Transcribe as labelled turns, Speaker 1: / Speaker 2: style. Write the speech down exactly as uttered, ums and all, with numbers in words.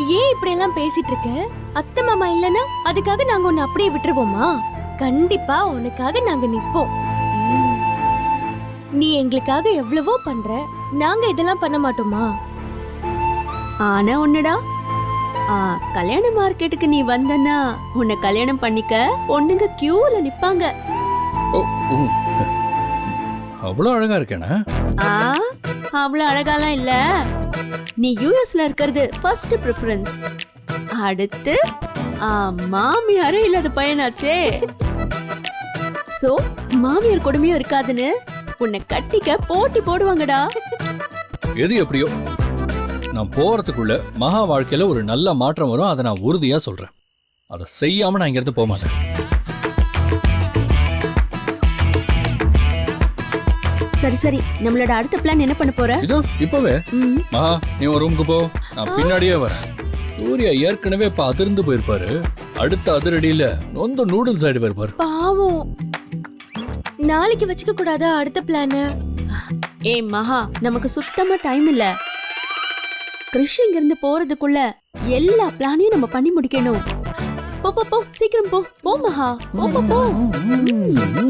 Speaker 1: ஏன் இப்படி எல்லாம் பேசிட்டு இருக்க? அத்தை மாமா இல்லனா அதுக்காக நாங்க உன்னை அப்படியே விட்டுருவோமா? கண்டிப்பா உனக்காக நாங்க நிப்போம். நீ எங்களுக்காக எவ்வளவோ பண்ற, நாங்க இதெல்லாம் பண்ண மாட்டோமா?
Speaker 2: ஆனா ஒண்ணுடா, ஆ, கல்யாண மார்க்கெட்டுக்கு நீ வந்தனா உன்னை கல்யாணம் பண்ணிக்க பொண்ணுங்க கியூல நிப்பாங்க.
Speaker 3: ஓ, ஓ. அவ்வளவு அழகா இருக்கேனா?
Speaker 2: ஆ, அவ்வளவு அழகாலாம் இல்ல. நீ யூஎஸ்ல இருக்கிறது ஃபர்ஸ்ட் ப்ரிஃபரன்ஸ். அடுத்து ஆ, மாமியாரே இல்லாத பையனாச்சே. சோ மாமியார் கொடுமையும் இருக்காதுன்னு உன்னை கட்டிக்க போட்டி போடுவாங்கடா.
Speaker 3: எது எப்படியோ நான் போறதுக்குள்ள மகா வாழ்க்கையில ஒரு நல்ல மாற்றம் வரும். அதை நான் உறுதியா சொல்றேன். அதை செய்யாம நான் இங்க இருந்து போக மாட்டேன்.
Speaker 2: சரி சரி, நம்மளோட அடுத்த பிளான் என்ன பண்ண போற?
Speaker 3: இதோ இப்பவே
Speaker 2: ம்,
Speaker 3: மகா நீ ஒரு ரூமுக்கு போ, நான் பின்னாடியே வரேன். சூர்யா ஏற்கனவே இப்ப அதிர்ந்து போயிருப்பாரு. அடுத்த அதிரடியில நொந்த நூடுல்ஸ் ஆயிடு போயிருப்பாரு.
Speaker 1: பாவம். நாளைக்கு வச்சுக்க கூடாதா அடுத்த பிளான?
Speaker 2: ஏய் மகா, நமக்கு சுத்தமா டைம் இல்ல. கிறிஷ் இங்க இருந்து போறதுக்குள்ள எல்லா பிளானையும் நம்ம பண்ணி முடிக்கணும். போ போ போ, சீக்கிரம் போ. போ மகா, போ போ போ.
Speaker 3: ம், ம்.